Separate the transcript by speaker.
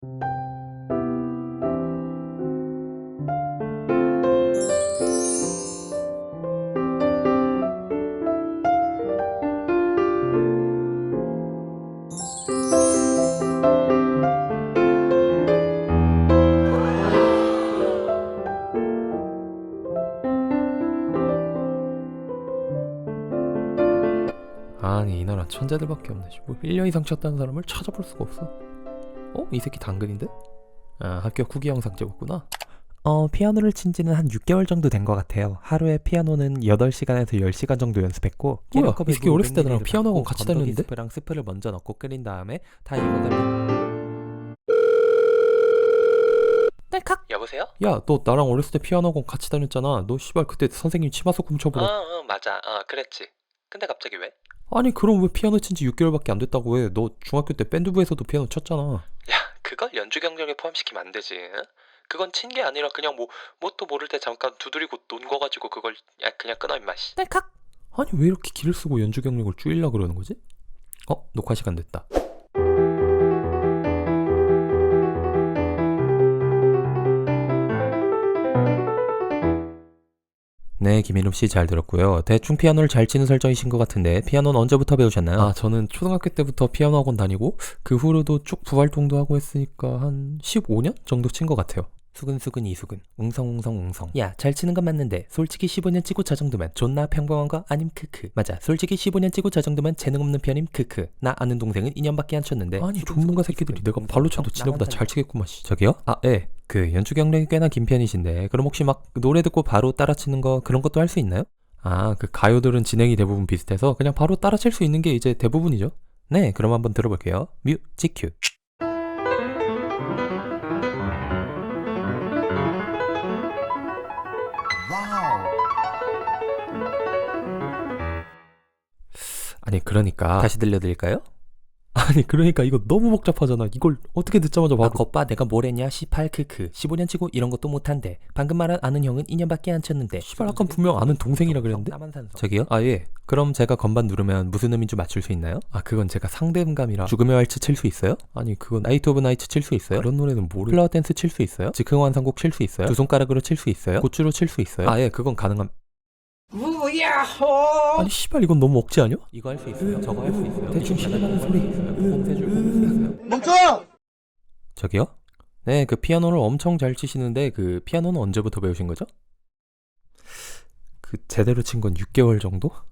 Speaker 1: 아니 이 나라 천재들밖에 없네. 뭐 1년 이상 쳤다는 사람을 찾아볼 수가 없어. 이 새끼 당근인데? 아 합격 후기 영상 찍었구나.
Speaker 2: 피아노를 친 지는 한 6개월 정도 된 것 같아요. 하루에 피아노는 8시간에서 10시간 정도 연습했고,
Speaker 1: 뭐야 이 새끼 어렸을 때 나랑 피아노 학원 같이 다녔는데?
Speaker 2: 스프랑 스프를 먼저 넣고 끓인 다음에 다 익어가면 딸칵!
Speaker 3: 여보세요?
Speaker 1: 야 너 나랑 어렸을 때 피아노 학원 같이 다녔잖아. 너 씨발 그때 선생님 치마속 훔쳐보라.
Speaker 3: 맞아. 그랬지. 근데 갑자기 왜?
Speaker 1: 아니 그럼 왜 피아노 친 지 6개월밖에 안 됐다고 해. 너 중학교 때 밴드부에서도 피아노 쳤잖아.
Speaker 3: 야, 그걸 연주 경력에 포함시키면 안 되지. 응? 그건 친 게 아니라 그냥 뭣도 모를 때 잠깐 두드리고 논 거 가지고 그걸 그냥 끊어 임마 씨.
Speaker 2: 딸칵!
Speaker 1: 아니 왜 이렇게 길을 쓰고 연주 경력을 줄이려 그러는 거지? 녹화 시간 됐다.
Speaker 2: 네, 김인욱 씨 잘 들었고요. 대충 피아노를 잘 치는 설정이신 것 같은데 피아노는 언제부터 배우셨나요?
Speaker 1: 아 저는 초등학교 때부터 피아노 학원 다니고 그 후로도 쭉 부활동도 하고 했으니까 한 15년 정도 친 것 같아요.
Speaker 2: 수근 이수근 웅성. 야, 잘 치는 건 맞는데 솔직히 15년 치고 저 정도면 존나 평범한 거 아님 크크. 맞아, 솔직히 15년 치고 저 정도면 재능 없는 편임 크크. 나 아는 동생은 2년밖에 안 쳤는데.
Speaker 1: 아니 전문가 새끼들이 내가 발로 쳐도 지네보다 잘 치겠구만 씨.
Speaker 2: 저기요?
Speaker 1: 예.
Speaker 2: 그 연주 경력이 꽤나 긴 편이신데 그럼 혹시 막 노래 듣고 바로 따라 치는 거 그런 것도 할 수 있나요?
Speaker 1: 그 가요들은 진행이 대부분 비슷해서 그냥 바로 따라 칠 수 있는 게 이제 대부분이죠.
Speaker 2: 네, 그럼 한번 들어볼게요. 뮤직 큐.
Speaker 1: 아니 그러니까
Speaker 2: 다시 들려드릴까요?
Speaker 1: 아니 그러니까 이거 너무 복잡하잖아. 이걸 어떻게 듣자마자 바로
Speaker 2: 겉봐 내가 뭘 했냐 18 크크 15년 치고 이런 것도 못한대. 방금 말한 아는 형은 2년밖에 안 쳤는데.
Speaker 1: 씨발 아까 분명 아는 동생이라 그랬는데?
Speaker 2: 저기요?
Speaker 1: 예.
Speaker 2: 그럼 제가 건반 누르면 무슨 음인지 맞출 수 있나요?
Speaker 1: 그건 제가 상대음감이라.
Speaker 2: 죽음의 왈츠 칠 수 있어요?
Speaker 1: 아니 그건
Speaker 2: 나이트 오브 나이츠 칠 수 있어요?
Speaker 1: 그런 노래는 모르.
Speaker 2: 플라워 댄스 칠 수 있어요? 즉흥 환상곡 칠 수 있어요? 두 손가락으로 칠 수 있어요? 고추로 칠 수 있어요?
Speaker 1: 예 그건 가능함.
Speaker 4: 우야호!
Speaker 1: 아니 씨발 이건 너무 억지 아니야?
Speaker 2: 이거 할 수 있어요? 저거 할 수 있어요?
Speaker 1: 대충 시간하는 소리.
Speaker 4: 멈춰!
Speaker 2: 저기요? 네, 그 피아노를 엄청 잘 치시는데 그 피아노는 언제부터 배우신 거죠?
Speaker 1: 그 제대로 친 건 6개월 정도?